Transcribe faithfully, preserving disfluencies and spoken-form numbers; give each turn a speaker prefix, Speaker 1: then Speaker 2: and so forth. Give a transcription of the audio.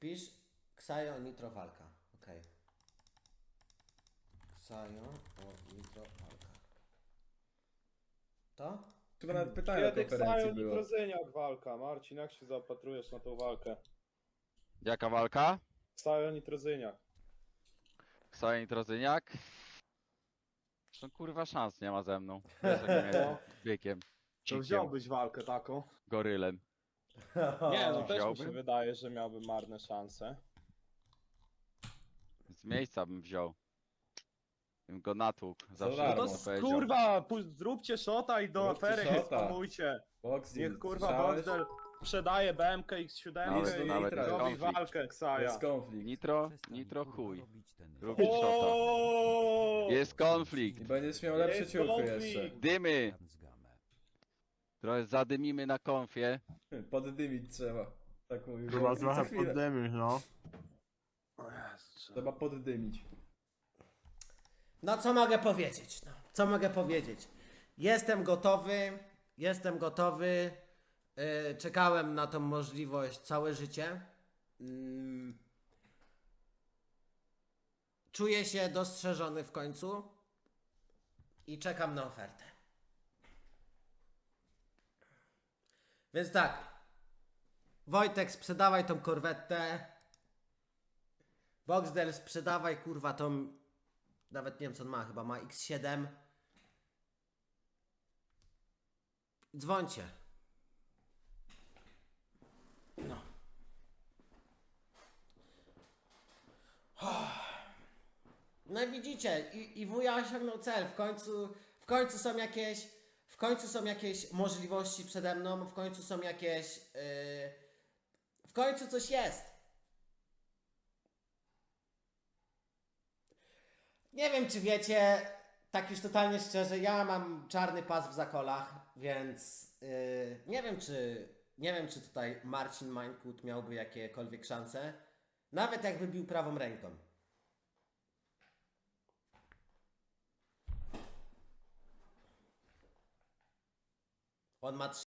Speaker 1: Pisz Ksajo Nitro walka. Okej. Okay. Ksajo o Nitro walka. To?
Speaker 2: Chyba nawet pytanie na
Speaker 3: Kiedy
Speaker 2: konferencji
Speaker 3: Ksajo
Speaker 2: było.
Speaker 3: Nitrozyniak walka? Marcin, jak się zaopatrujesz na tą walkę?
Speaker 4: Jaka walka?
Speaker 3: Ksajo Nitrozyniak.
Speaker 4: Ksajo Nitrozyniak? No kurwa szans nie ma ze mną. Wiesz jak ja
Speaker 3: No.
Speaker 4: jestem bykiem.
Speaker 3: To
Speaker 4: Cikiem,
Speaker 3: wziąłbyś walkę taką?
Speaker 4: gorylem.
Speaker 3: Nie, no też mi się
Speaker 4: Wziąłbym?
Speaker 3: wydaje, że miałby marne szanse.
Speaker 4: Z miejsca bym wziął. Bym go natłukł. Zawsze
Speaker 2: darmo.
Speaker 4: bym
Speaker 3: No
Speaker 4: mu
Speaker 3: to
Speaker 4: powiedział.
Speaker 3: kurwa, pu- zróbcie shota i do
Speaker 2: Zróbcie
Speaker 3: afery
Speaker 2: shota.
Speaker 3: nie spamujcie.
Speaker 2: Boxing,
Speaker 3: Niech kurwa
Speaker 2: słyszałeś?
Speaker 3: Boxdel sprzedaje B M K X siedem
Speaker 4: Nawet-
Speaker 3: i
Speaker 2: nawet
Speaker 3: robi
Speaker 4: konflikt.
Speaker 3: walkę Ksaja.
Speaker 2: Jest konflikt.
Speaker 4: Nitro, nitro chuj. Lubisz shota.
Speaker 3: O!
Speaker 4: Jest konflikt.
Speaker 2: I będziesz miał lepsze
Speaker 3: Jest
Speaker 2: ciuchy
Speaker 3: konflikt.
Speaker 2: jeszcze.
Speaker 4: Dymy. Trochę zadymimy na konfie.
Speaker 2: Poddymić trzeba. Tak mówił.
Speaker 5: Chyba
Speaker 2: Boxing. Co
Speaker 5: trochę
Speaker 2: chwilę.
Speaker 5: poddymisz, no.
Speaker 3: O Jezu.
Speaker 2: Trzeba poddymić.
Speaker 1: No co mogę powiedzieć? No, co mogę powiedzieć? Jestem gotowy, jestem gotowy. Yy, czekałem na tą możliwość całe życie. Yy, czuję się dostrzeżony w końcu i czekam na ofertę. Więc tak, Wojtek, sprzedawaj tą korwetę. Boxdel, sprzedawaj kurwa tą. Nawet nie wiem co on ma, chyba ma X siedem. Dzwońcie. No. No i widzicie, i, i wuja osiągnął cel. W końcu, w końcu są jakieś, w końcu są jakieś możliwości przede mną, w końcu są jakieś, yy, w końcu coś jest. Nie wiem, czy wiecie, tak już totalnie szczerze, ja mam czarny pas w zakolach, więc yy, nie wiem, czy nie wiem, czy tutaj Marcin Mańkut miałby jakiekolwiek szanse, nawet jakby bił prawą ręką. On ma